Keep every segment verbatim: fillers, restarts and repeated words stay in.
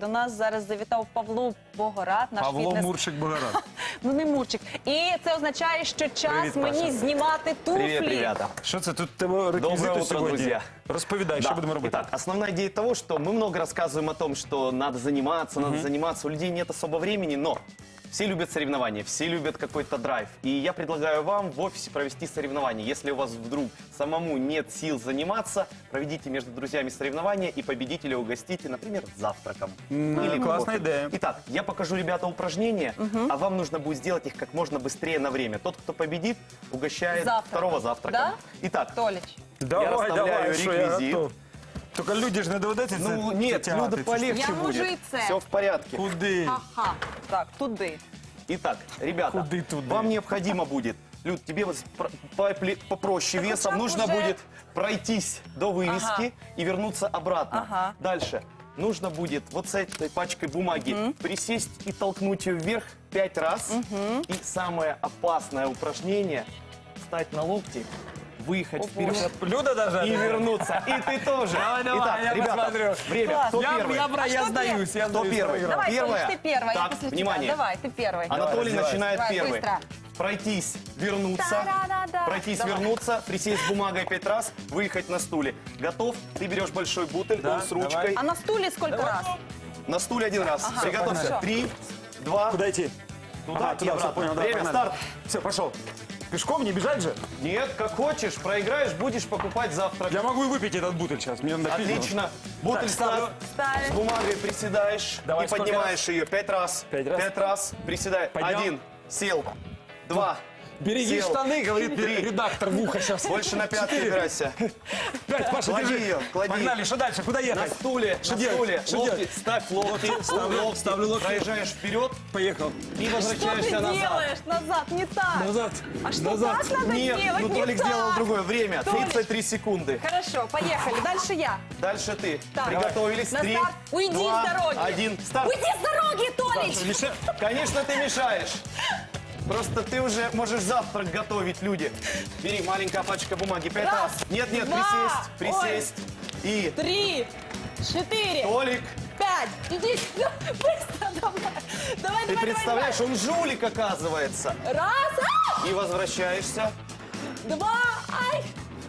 До нас зараз завітав Павло Богорат, наш Павло фітнес... Мурчик Богорат. Ну не Мурчик. І це означає, що час Привіт, мені Паша. знімати туфлі. Привет, ребята. Що це тут тебе Доброе реквізити утро, сьогодні? друзья. Розповідай, що Да. будемо робити? Итак, основная идея того, что мы много рассказываем о том, что надо заниматься, надо заниматься. У людей нет особо времени, но все любят соревнования, все любят какой-то драйв. И я предлагаю вам в офисе провести соревнования. Если у вас вдруг самому нет сил заниматься, проведите между друзьями соревнования и победителя угостите, например, завтраком. Или классная кофе. идея. Итак, я покажу, ребята, упражнения, а вам нужно будет сделать их как можно быстрее на время. Тот, кто победит, угощает Завтраком. второго завтрака. Да? Итак, Толіч. Давай, расставляю давай, що я реквізит. готов. Тільки люди ж не доведеться це ну нет, тягати, Люда це ж- полегче Я будет. можу и це. Все в порядке. Куди? Ага. Так, туди. Итак, ребята, Куды туда? вам необходимо будет, Люд, тебе вот спро- попле- попроще Так весом, вот нужно уже- будет пройтись до вывески Ага. и вернуться обратно. Ага. Дальше. Нужно будет вот с этой пачкой бумаги присесть и толкнуть ее вверх пять раз. И самое опасное упражнение – встать на локти, выехать вперед Люда даже? и вернуться. И ты тоже. Давай, давай, Итак, я ребята, посмотрю. время. Класс. Кто Я, первый? я, бра- я что сдаюсь, я Кто сдаюсь. первый? проиграл. Давай, Первая. Толіч, ти перша, я Так, після внимание. тебе. Давай, ти перший. Анатолий раздевайся. начинает Давай, первый. быстро. Пройтись, вернуться. Да-да-да-да. Пройтись, Давай. вернуться, присесть с бумагой пять раз, выехать на стуле. Готов? Ты берешь большой бутыль Да, с ручкой. А на стулі скільки раз? На стуле один раз. Ага, Приготовься. хорошо. Три, два, Куда идти? туда Ага, и туда, все, обратно. понял, да, Время, погнали. старт. Все, пошел. Пешком не бежать же? Нет, как хочешь. Проиграешь, будешь покупать завтрак. Я могу и выпить этот бутыль сейчас. Мне надо пить. Отлично. Бутыль Так, ставлю. ставь. Ставишь. С бумагой приседаешь Давай, и сколько поднимаешь ее. Пять раз. Пять раз. Пять раз. Приседай. Поднял. Один. Сел. Два. Береги сел. штаны, говорит Три. редактор в ухо сейчас. Больше на пятки опирайся. Пять, Паша, Клади держи. ее, клади. Погнали, что дальше? Куда На ехать? стуле, Что на делать? стуле, Что локти, делать? ставь локти, ставлю, локти, ставлю локти. проезжаешь вперед Поехал. и Что ты возвращаешься назад. делаешь? Назад, не так. Назад. А что Назад. так надо Нет, делать? ну Не Толик так. сделал другое время, Толик. тридцать три секунды. Хорошо, поехали. Дальше я. Дальше ты. Так. Приготовились, На три, старт. Уйди два, с дороги. один, старт. Уйди с дороги, Толич! Миша, Конечно, ты мешаешь. Просто ты уже можешь завтрак готовить, люди. Бери, маленькая пачка бумаги, пять Раз, раз. Нет, нет, два, присесть, присесть. И Три, четыре, Толик, пять. Иди сюда. Быстро давай. Давай, ты давай, представляешь, он жулик оказывается. давай. Раз, а! И возвращаешься. Два, ай.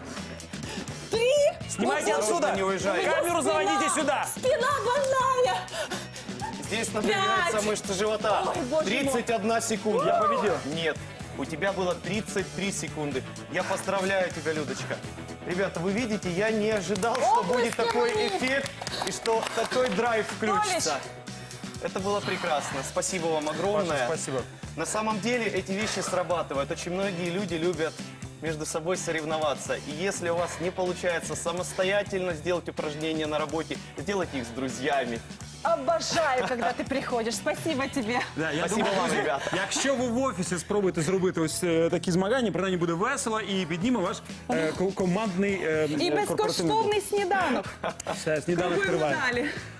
Три. снимайте Вот Осторожно, отсюда. не уезжай. Камеру заводите сюда. Спина больная. Здесь напрягается Пять. мышца живота. Ой, боже мой. тридцать одна секунда. Я победил. Нет, у тебя было тридцать три секунды. Я поздравляю тебя, Людочка. Ребята, вы видите, я не ожидал, что Оплески будет такой мои. эффект и что такой драйв включится. Это было прекрасно. Спасибо вам огромное. Паша, спасибо. На самом деле эти вещи срабатывают. Очень многие люди любят между собой соревноваться. И если у вас не получается самостоятельно сделать упражнения на работе, сделайте их с друзьями. Обожаю, когда ты приходишь. Спасибо тебе. Да, я Спасибо думаю, вам, друзі, ребята. Якщо ви в офісі спробуєте зробити ось е, такі змагання, принаймні буде весело і підніме ваш е, ко- командний е, І е, корпоративний безкоштовний сніданок. дух. Все, сніданок Купуємо триває. далі.